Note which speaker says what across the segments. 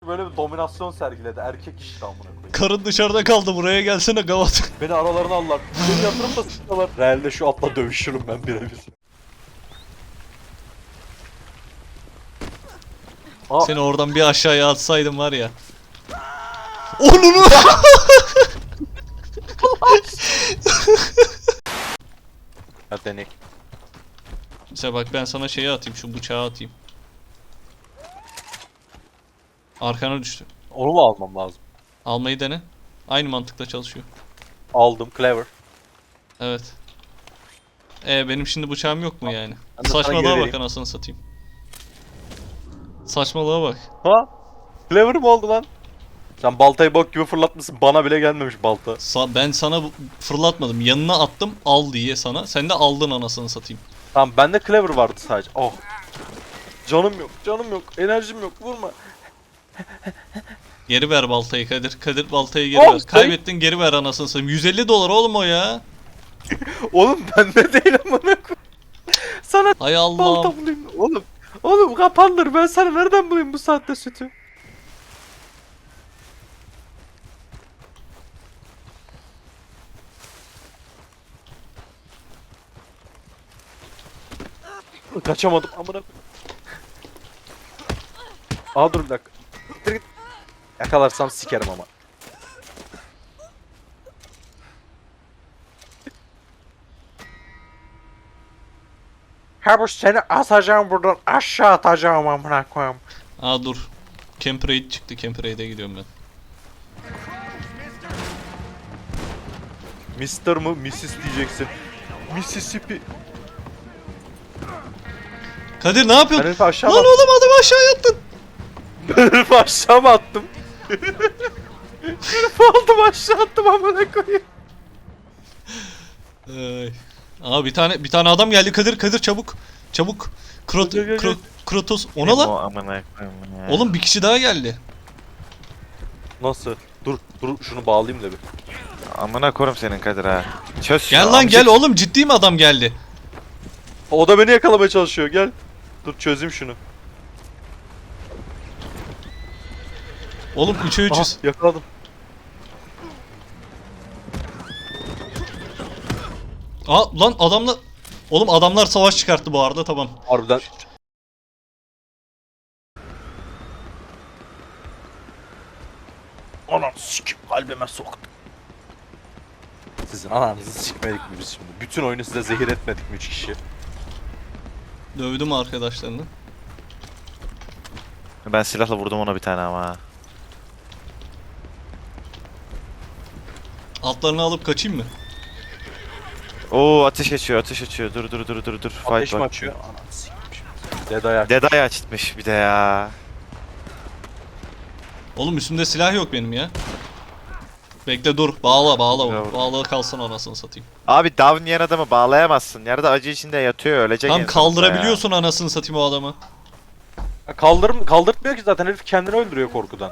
Speaker 1: böyle bir dominasyon sergiledi. Erkek işte amına koyayım.
Speaker 2: Karın dışarıda kaldı, buraya gelsene gavat.
Speaker 1: Beni aralarına aldılar. Beni yatırıp da sıkıyorlar. Realde şu atla dövüşürüm ben birebir.
Speaker 2: Seni oradan bir aşağıya atsaydım var ya. Onunu!
Speaker 1: Hadi denek.
Speaker 2: Mesela bak ben sana şeyi atayım, şu bıçağı atayım. Arkana düştü.
Speaker 1: Onu mu almam lazım?
Speaker 2: Almayı dene. Aynı mantıkla çalışıyor.
Speaker 1: Aldım. Clever.
Speaker 2: Evet. Benim şimdi bıçağım yok mu yani?
Speaker 1: Ben de sana
Speaker 2: Saçmalığa
Speaker 1: geri
Speaker 2: bak
Speaker 1: vereyim.
Speaker 2: anasını satayım. Saçmalığa bak.
Speaker 1: Ha? Clever mı oldu lan? Sen baltayı bok gibi fırlatmışsın. Bana bile gelmemiş balta.
Speaker 2: Ben sana fırlatmadım. Yanına attım al diye sana. Sen de aldın anasını satayım.
Speaker 1: Tamam bende clever vardı sadece. Oh. Canım yok, canım yok, enerjim yok. Vurma.
Speaker 2: Geri ver baltayı Kadir. Kadir baltayı geri
Speaker 1: Oh,
Speaker 2: ver. Kaybettin geri ver anasını satayım. 150 dolar oğlum o ya.
Speaker 1: Oğlum bende değil amına koyayım. Sana
Speaker 2: Hay Allah'ım.
Speaker 1: balta bulayım. Oğlum kapandır. Ben sana nereden bulayım bu saatte sütü? Kaçamadım amına koyayım. Aa dur bir dakika. Git, git. Yakalarsam sikerim ama. Ha bu seni atacağım buradan aşağı atacağım amına koyayım.
Speaker 2: Aa dur. Camp Raid çıktı. Camp Raid'e gidiyorum ben.
Speaker 1: Mister mı Mrs diyeceksin. Mississippi.
Speaker 2: Kadir ne
Speaker 1: Ben
Speaker 2: yapıyorsun?
Speaker 1: herifi aşağı
Speaker 2: Lan
Speaker 1: attım.
Speaker 2: oğlum adamı aşağıya attın.
Speaker 1: Ben herifi aşağı mı attım? Herifi aldım aşağı attım amına koyayım.
Speaker 2: Ay. Aa bir tane adam geldi. Kadir çabuk. Çabuk.
Speaker 1: Gel.
Speaker 2: Kratos ona lan.
Speaker 3: Amına koyayım ya.
Speaker 2: Oğlum bir kişi daha geldi.
Speaker 1: Nasıl? Dur şunu bağlayayım da bir.
Speaker 3: Amına koyayım senin Kadir ha. Çöz şunu,
Speaker 2: Gel lan
Speaker 3: amcık.
Speaker 2: gel oğlum ciddi mi adam geldi?
Speaker 1: O da beni yakalamaya çalışıyor gel. Dur çözeyim şunu.
Speaker 2: Oğlum 3'e 300.
Speaker 1: Aha, yakaladım.
Speaker 2: Aa lan adamla... Oğlum adamlar savaş çıkarttı bu arada tamam.
Speaker 1: Harbiden. Anam sikim kalbime soktu. Sizin ananızı sikmedik mi biz şimdi? Bütün oyunu size zehir etmedik mi 3 kişi?
Speaker 2: Dövdüm arkadaşlarını.
Speaker 3: Ben silahla vurdum ona bir tane ama.
Speaker 2: Altlarını alıp kaçayım mı?
Speaker 3: Oo ateş açıyor. Dur.
Speaker 1: Ateş
Speaker 3: Fight
Speaker 1: mi
Speaker 3: bak.
Speaker 1: açıyor? Ananı sikmiş. Dead ayak.
Speaker 3: Deday açmış bir de ya.
Speaker 2: Oğlum üstümde silah yok benim ya. Bekle dur. Bağla
Speaker 3: Bravo.
Speaker 2: Bağla kalsın anasını satayım.
Speaker 3: Abi down yiyen adamı bağlayamazsın. Yerde acı içinde yatıyor ölecek.
Speaker 2: Tam
Speaker 3: en sonunda
Speaker 2: kaldırabiliyorsun anasını satayım o adamı.
Speaker 1: Kaldırtmıyor ki zaten herif kendini öldürüyor korkudan.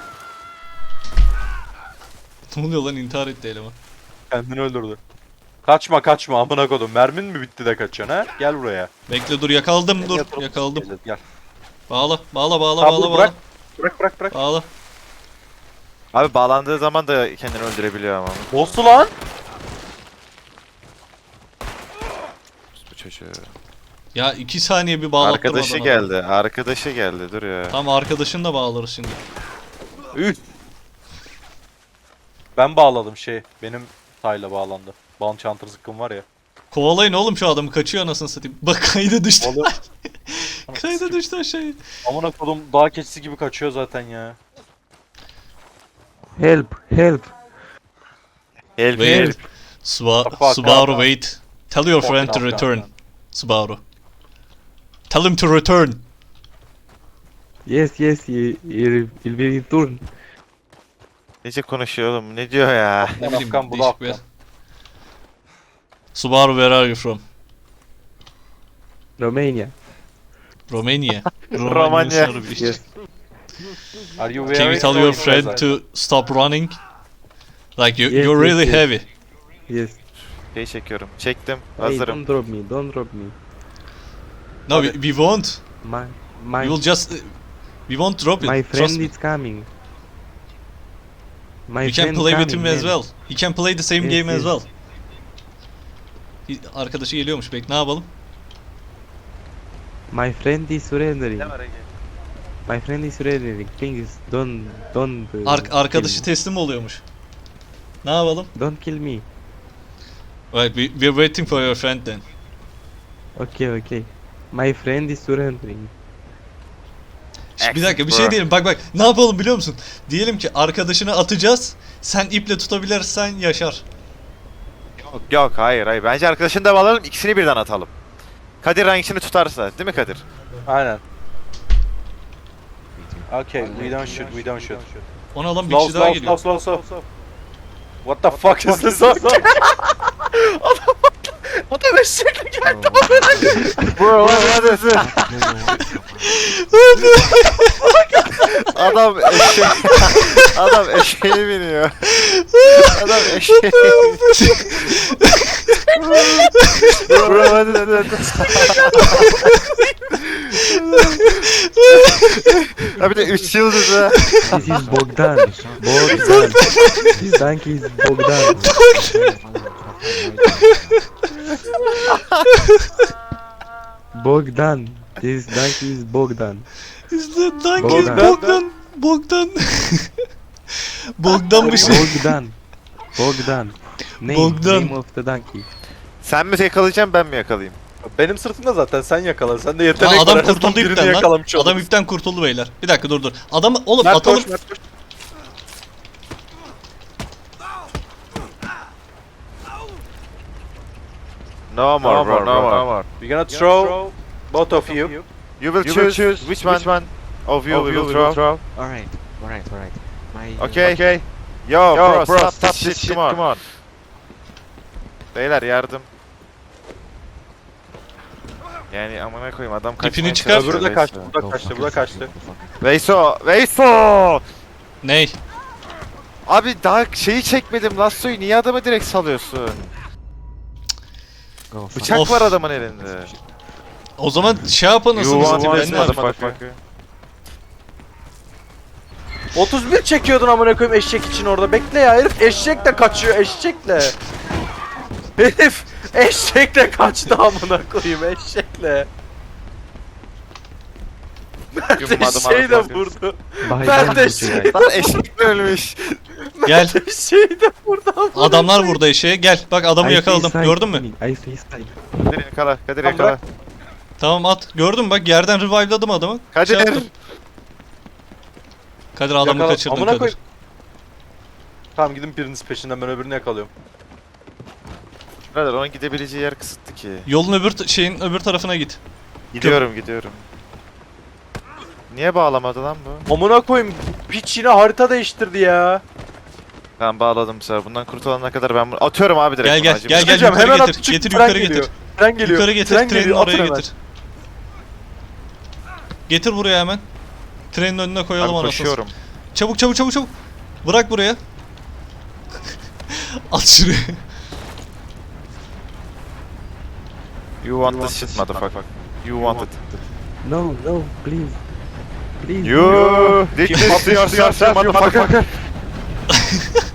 Speaker 2: Ne oluyor lan intihar etti eleman.
Speaker 1: Kendini öldürdü. Kaçma amına kodum. Mermin mi bitti de kaçıyorsun ha? Gel buraya.
Speaker 2: Bekle dur yakaladım
Speaker 1: Seni
Speaker 2: dur
Speaker 1: yatırıp
Speaker 2: yakaladım.
Speaker 1: sikeceğiz, Gel.
Speaker 2: Bağla
Speaker 1: Tamam, dur, bırak. Bırak.
Speaker 2: Bağla.
Speaker 3: ya. Abi bağlandığı zaman da kendini öldürebiliyor ama.
Speaker 1: Boss'u lan.
Speaker 3: Bu çocuğu.
Speaker 2: Ya 2 saniye bir bağlattırmadan
Speaker 3: Arkadaşı
Speaker 2: adam.
Speaker 3: geldi. Arkadaşı geldi. Dur ya.
Speaker 2: Tamam arkadaşını da bağlarız şimdi.
Speaker 1: Üh. Ben bağladım benim tayla bağlandı. Bounty Hunter zıkkım var ya.
Speaker 2: Kovalayın oğlum şu adamı kaçıyor anasını satayım. Bak kayda düştü.
Speaker 1: Oğlum.
Speaker 2: Kayda düştü aşağıya.
Speaker 1: Amına kodum dağ keçisi gibi kaçıyor zaten ya.
Speaker 4: Help!
Speaker 3: Help
Speaker 2: Wait.
Speaker 1: Fuck,
Speaker 2: Subaru
Speaker 1: fuck.
Speaker 2: wait. Tell your friend to
Speaker 1: Fucking
Speaker 2: return.
Speaker 1: Afghan.
Speaker 2: Subaru. Tell him to return.
Speaker 4: Yes, il will return.
Speaker 3: Nece konuşuyor oğlum? Ne diyor ya?
Speaker 2: Ne bileyim
Speaker 1: Afgan, bu da
Speaker 2: değişik bir
Speaker 1: Afgan.
Speaker 2: yer. Subaru where are you from?
Speaker 4: Romania.
Speaker 2: Romania.
Speaker 3: Romanya.
Speaker 2: sınırı bir şey.
Speaker 4: Yes.
Speaker 1: Are you
Speaker 2: Can
Speaker 1: very
Speaker 2: you tell your
Speaker 1: sorry,
Speaker 2: friend to stop running? Like
Speaker 4: Yes,
Speaker 2: you're really
Speaker 4: yes.
Speaker 2: heavy.
Speaker 4: Yes.
Speaker 3: Şey çekiyorum. Çektim.
Speaker 4: Hey,
Speaker 3: Hazırım.
Speaker 4: don't drop me. Don't drop me.
Speaker 2: No, we won't.
Speaker 4: My.
Speaker 2: We will just We won't drop it.
Speaker 4: My
Speaker 2: Trust
Speaker 4: friend
Speaker 2: me.
Speaker 4: is coming. My
Speaker 2: You can
Speaker 4: friend
Speaker 2: play with him
Speaker 4: coming,
Speaker 2: as
Speaker 4: man.
Speaker 2: well. He can play the same
Speaker 4: Yes,
Speaker 2: game as
Speaker 4: yes.
Speaker 2: well. Arkadaşı geliyormuş. Bek ne yapalım?
Speaker 4: My friend is surrendering.
Speaker 3: Ne var Ege?
Speaker 4: My friend is surrendering. Please don't.
Speaker 2: Arkadaşı
Speaker 4: kill
Speaker 2: teslim oluyormuş. Ne yapalım?
Speaker 4: me. Don't kill me.
Speaker 2: Right, we're waiting for your friend then.
Speaker 4: Okay. My friend is surrendering.
Speaker 2: Bir dakika bir şey
Speaker 3: Excellent,
Speaker 2: diyelim. Bak ne yapalım biliyor musun? Diyelim ki arkadaşını atacağız. Sen iple tutabilirsen yaşar.
Speaker 3: Yok hayır. Bence arkadaşını da alalım, ikisini birden atalım. Kadir hangisini tutarsa, değil mi Kadir?
Speaker 1: Aynen. Okay, we don't shoot.
Speaker 2: Ona alan bir
Speaker 1: Slow,
Speaker 2: kişi daha
Speaker 1: slow,
Speaker 2: geliyor.
Speaker 1: slow. What the fuck is this? Adam eşekle geldi.
Speaker 3: Bro, hadi. Adam eşeğe... Adam eşeğe biniyor. Adam eşeğe Bro, hadi. Ha bir de 3 yıldız ha.
Speaker 4: This is Bogdan. This donkey is Bogdan. Bogdan. This donkey is Bogdan.
Speaker 2: İşte Donkey
Speaker 4: Bogdan.
Speaker 2: Bogdan. Bogdanmış.
Speaker 4: Bogdan.
Speaker 2: Bogdan.
Speaker 4: Name of the donkey.
Speaker 3: Sen mi yakalayacaksın, ben mi yakalayayım?
Speaker 1: Benim sırtımda zaten sen yakala. Sen de yetenek
Speaker 2: Aa, adam
Speaker 1: var. En azından
Speaker 2: kurtuldu
Speaker 1: birini
Speaker 2: ipten lan.
Speaker 1: yakalamış
Speaker 2: Adam
Speaker 1: oluruz.
Speaker 2: ipten kurtuldu beyler. Bir dakika dur. Adam oğlum
Speaker 1: Mert
Speaker 2: atalım.
Speaker 1: koş, Mert koş.
Speaker 3: No more, bro, no more.
Speaker 1: We're gonna throw both of you.
Speaker 3: You will choose which one of you we will throw.
Speaker 5: Alright. My
Speaker 3: Okay. Yo, bro, stop this shit, come on. Beyler yardım. Yani amına koyayım adam kaçmaya
Speaker 2: İpini çıkar.
Speaker 3: çalışıyor,
Speaker 1: Öbürü de
Speaker 3: Veyso.
Speaker 1: kaçtı. Bu da kaçtı. Bu da kaçtı.
Speaker 3: Veyso!
Speaker 2: Ney?
Speaker 3: Abi daha şeyi çekmedim, Lasso'yu niye adamı direkt salıyorsun? Bıçak
Speaker 2: Of.
Speaker 3: var adamın elinde.
Speaker 2: O zaman şey yapın nasıl
Speaker 3: You want
Speaker 2: satayım
Speaker 3: this
Speaker 2: ben ne yapayım?
Speaker 3: motherfucker.
Speaker 1: 31 çekiyordun amına koyayım eşek için orada. Bekle ya, herif eşekle kaçıyor, eşekle. Herif eşekle kaçtı amına koyayım, eşekle.
Speaker 3: You
Speaker 1: Eşeği de
Speaker 3: motherfucker.
Speaker 1: vurdu.
Speaker 4: By
Speaker 1: Ben de
Speaker 4: donkey.
Speaker 1: şey-
Speaker 3: Lan eşek de ölmüş.
Speaker 2: Gel.
Speaker 1: Eşeği de vurdu amına.
Speaker 2: Adamlar burada eşeğe. Gel. Bak adamı
Speaker 4: I see
Speaker 2: yakaladım.
Speaker 4: side
Speaker 2: Gördün mü?
Speaker 4: coming. I see side.
Speaker 3: Kadir yakala, Kadir
Speaker 1: Tamam,
Speaker 3: yakala.
Speaker 1: bırak.
Speaker 2: Tamam at. Gördün mü? Bak yerden revive'ladım adamı.
Speaker 3: Kadir.
Speaker 2: Şey yaptım. Kadir adamı
Speaker 1: Yakala-
Speaker 2: kaçırdın
Speaker 1: amına
Speaker 2: Kadir.
Speaker 1: koyayım. Tamam, gidin biriniz peşinden, ben öbürünü yakalıyorum.
Speaker 3: Brother onun gidebileceği yer kısıtlı ki.
Speaker 2: Yolun şeyin öbür tarafına git.
Speaker 3: Gidiyorum. Niye bağlamadı lan bu?
Speaker 1: Amına koyayım, piç yine harita değiştirdi ya.
Speaker 3: Ben bağladım bu sefer. Bundan kurtulana kadar ben bunu atıyorum abi direkt.
Speaker 2: Gel
Speaker 3: bunu,
Speaker 2: gel
Speaker 3: acı
Speaker 2: gel
Speaker 3: bir-
Speaker 2: gel
Speaker 1: Çıkacağım,
Speaker 2: yukarı
Speaker 1: hemen
Speaker 2: getir.
Speaker 1: atı çık,
Speaker 2: Getir
Speaker 1: tren
Speaker 2: yukarı
Speaker 1: geliyor.
Speaker 2: getir.
Speaker 1: Tren geliyor.
Speaker 2: Yukarı getir.
Speaker 1: Tren
Speaker 2: Trenin
Speaker 1: geliyor, atın
Speaker 2: oraya
Speaker 1: hemen.
Speaker 2: getir. Getir buraya hemen. Trenin önüne koyalım
Speaker 3: Abi
Speaker 2: anasını.
Speaker 3: koşuyorum.
Speaker 2: Çabuk. Bırak buraya. At şuraya.
Speaker 3: You want this shit motherfucker. You want it.
Speaker 4: No, please. Please.
Speaker 3: You did this to yourself motherfucker.